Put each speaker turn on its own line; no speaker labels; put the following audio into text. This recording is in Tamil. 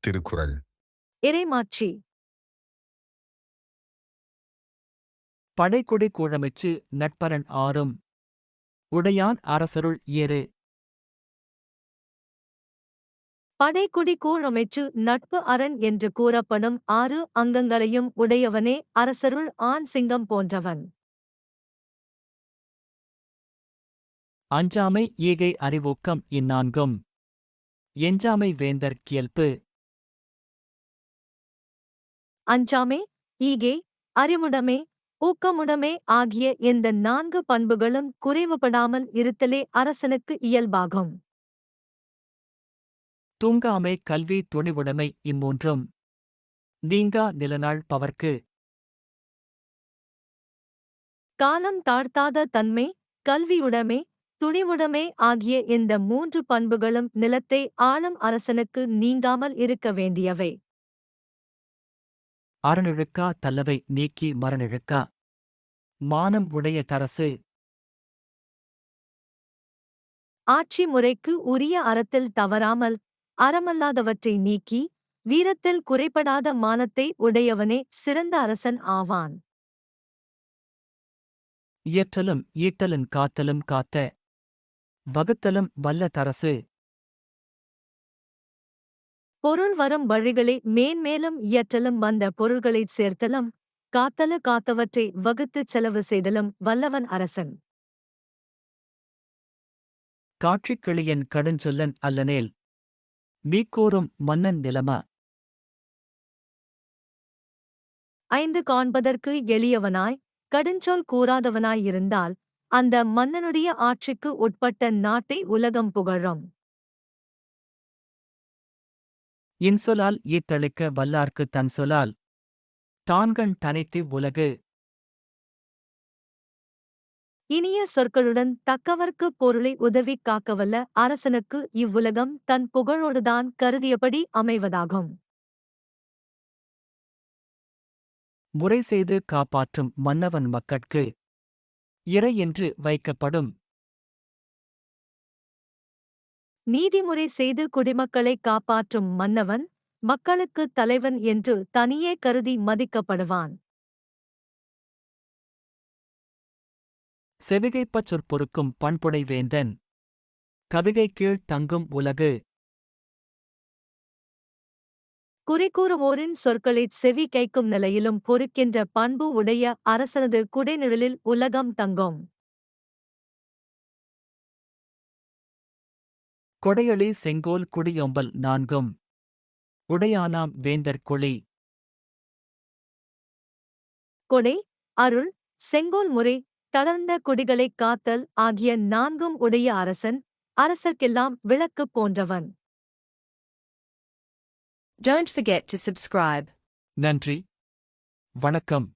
திருக்குறள்.
இறைமாட்சி.
படைக்கொடி கூழமைச்சு நட்பரன் ஆறும் உடையான் அரசருள் ஏறு.
படைக்குடி கூழமைச்சு நட்பு அரண் என்று கூறப்படும் 6 அங்கங்களையும் உடையவனே அரசருள் ஆண் சிங்கம் போன்றவன்.
அஞ்சாமை ஈகை அறிவூக்கம் இந்நான்கும் எஞ்சாமை வேந்தர் கியல்பு.
அஞ்சாமை, ஈகை, அறிவுடைமை, ஊக்கமுடைமை ஆகிய இந்த 4 பண்புகளும் குறைவுபடாமல் இருத்தலே அரசனுக்கு இயல்பாகும்.
தூங்காமை கல்வி துணிவுடைமை இம்மூன்றும் நீங்கா நிலநாள் பவர்க்கு.
காலம் தாழ்த்தாத தன்மை, கல்வியுடைமை, துணிவுடைமை ஆகிய இந்த 3 பண்புகளும் நிலத்தை ஆளும் அரசனுக்கு நீங்காமல் இருக்க வேண்டியவை.
அறநிழுக்கா தல்லவை நீக்கி மரநிழுக்கா மானம் உடைய தரசு.
ஆட்சி முறைக்கு உரிய அறத்தில் தவறாமல் அறமல்லாதவற்றை நீக்கி வீரத்தில் குறைபடாத மானத்தை உடையவனே சிறந்த அரசன் ஆவான்.
இயற்றலும் ஈட்டலும் காத்தலும் காத்த வகுத்தலும் வல்ல தரசு.
பொருள் வரும் வழிகளை மேன்மேலும் இயற்றலும் வந்த பொருள்களைச் சேர்த்தலும் காத்தலு காத்தவற்றை வகுத்துச் செலவு செய்தலும் வல்லவன் அரசன்.
காட்சிக் கிளியன் கடுஞ்சொல்லன் அல்லனேல் மீக்கூறும் மன்னன் நிலம.
5 காண்பதற்கு எளியவனாய் கடுஞ்சொல் கூறாதவனாயிருந்தால் அந்த மன்னனுடைய ஆட்சிக்கு உட்பட்ட நாட்டை உலகம் புகழும்.
இன்சொலால் ஈத்தளிக்க வல்லார்க்குத் தன் சொலால் தான்கண் தனைத்து உலகு.
இனிய சொற்களுடன் தக்கவர்க்குப் பொருளை உதவிக் காக்கவல்ல அரசனுக்கு இவ்வுலகம் தன் புகழோடுதான் கருதியபடி அமைவதாகும்.
முறை செய்து காப்பாற்றும் மன்னவன் மக்கட்கு இறை என்று வைக்கப்படும்.
நீதிமுறை செய்து குடிமக்களைக் காப்பாற்றும் மன்னவன் மக்களுக்குத் தலைவன் என்று தனியே கருதி மதிக்கப்படுவான்.
செவிகைப்பச் சொற்பொருக்கும் பண்புடை வேந்தன் கவிகை கீழ் தங்கும் உலகு.
குறிக்கூறுவோரின் சொற்களைச் செவி கைக்கும் நிலையிலும் பொறுக்கின்ற பண்பு உடைய அரசனது குடைநிழலில் உலகம் தங்கும்.
கொடையளி செங்கோல் குடியொம்பல் நான்கும் உடையானாம் வேந்தர் கொளி.
கொடை, அருள், செங்கோல் முறை, தளர்ந்த குடிகளைக் காத்தல் ஆகிய 4ம் உடைய அரசன் அரசர்க்கெல்லாம் விளக்கு போன்றவன்.
Don't forget to subscribe.
நன்றி, வணக்கம்.